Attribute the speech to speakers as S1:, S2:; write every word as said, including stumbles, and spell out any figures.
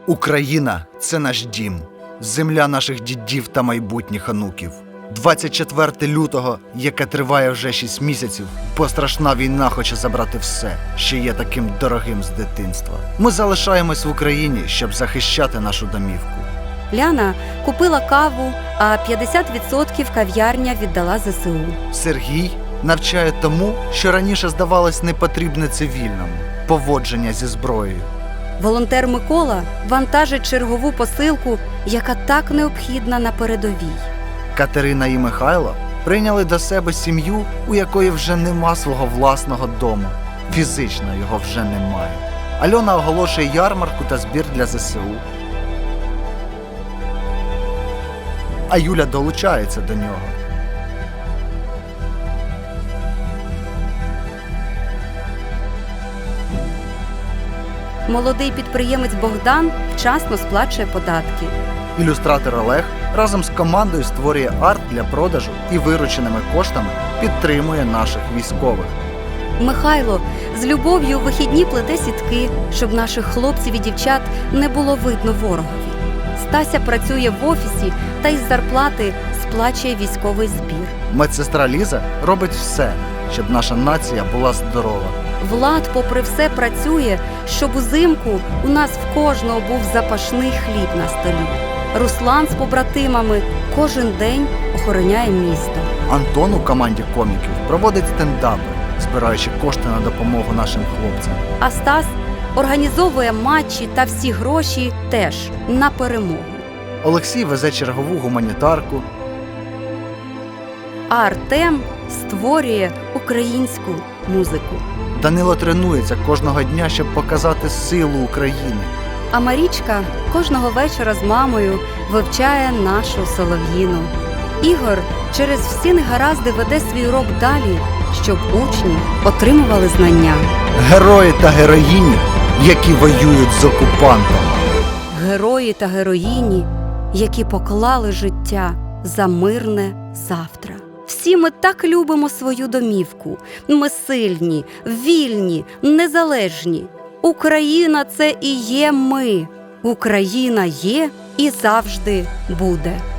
S1: Україна – це наш дім, земля наших дідів та майбутніх онуків. двадцять четвертого лютого, яке триває вже шість місяців, бо страшна війна хоче забрати все, що є таким дорогим з дитинства. Ми залишаємось в Україні, щоб захищати нашу домівку.
S2: Ляна купила каву, а п'ятдесят відсотків кав'ярня віддала зе се у.
S1: Сергій навчає тому, що раніше здавалось непотрібне цивільному – поводження зі зброєю.
S2: Волонтер Микола вантажить чергову посилку, яка так необхідна на передовій.
S1: Катерина і Михайло прийняли до себе сім'ю, у якої вже нема свого власного дому. Фізично його вже немає. Альона оголошує ярмарку та збір для зе се у. А Юля долучається до нього.
S2: Молодий підприємець Богдан вчасно сплачує податки.
S1: Ілюстратор Олег разом з командою створює арт для продажу і вирученими коштами підтримує наших військових.
S2: Михайло з любов'ю у вихідні плете сітки, щоб наших хлопців і дівчат не було видно ворогові. Стася працює в офісі та із зарплати сплачує військовий збір.
S1: Медсестра Ліза робить все, щоб наша нація була здорова.
S2: Влад, попри все, працює, щоб узимку у нас в кожного був запашний хліб на столі. Руслан з побратимами кожен день охороняє місто.
S1: Антон у команді коміків проводить стендапи, збираючи кошти на допомогу нашим хлопцям.
S2: А Стас організовує матчі та всі гроші теж на перемогу.
S1: Олексій везе чергову гуманітарку.
S2: А Артем створює українську музику.
S1: Данило тренується кожного дня, щоб показати силу України.
S2: А Марічка кожного вечора з мамою вивчає нашу солов'їну. Ігор через всі негаразди веде свій урок далі, щоб учні отримували знання.
S1: Герої та героїні, які воюють з окупантами.
S2: Герої та героїні, які поклали життя за мирне завтра. Всі ми так любимо свою домівку. Ми сильні, вільні, незалежні. Україна – це і є ми. Україна є і завжди буде.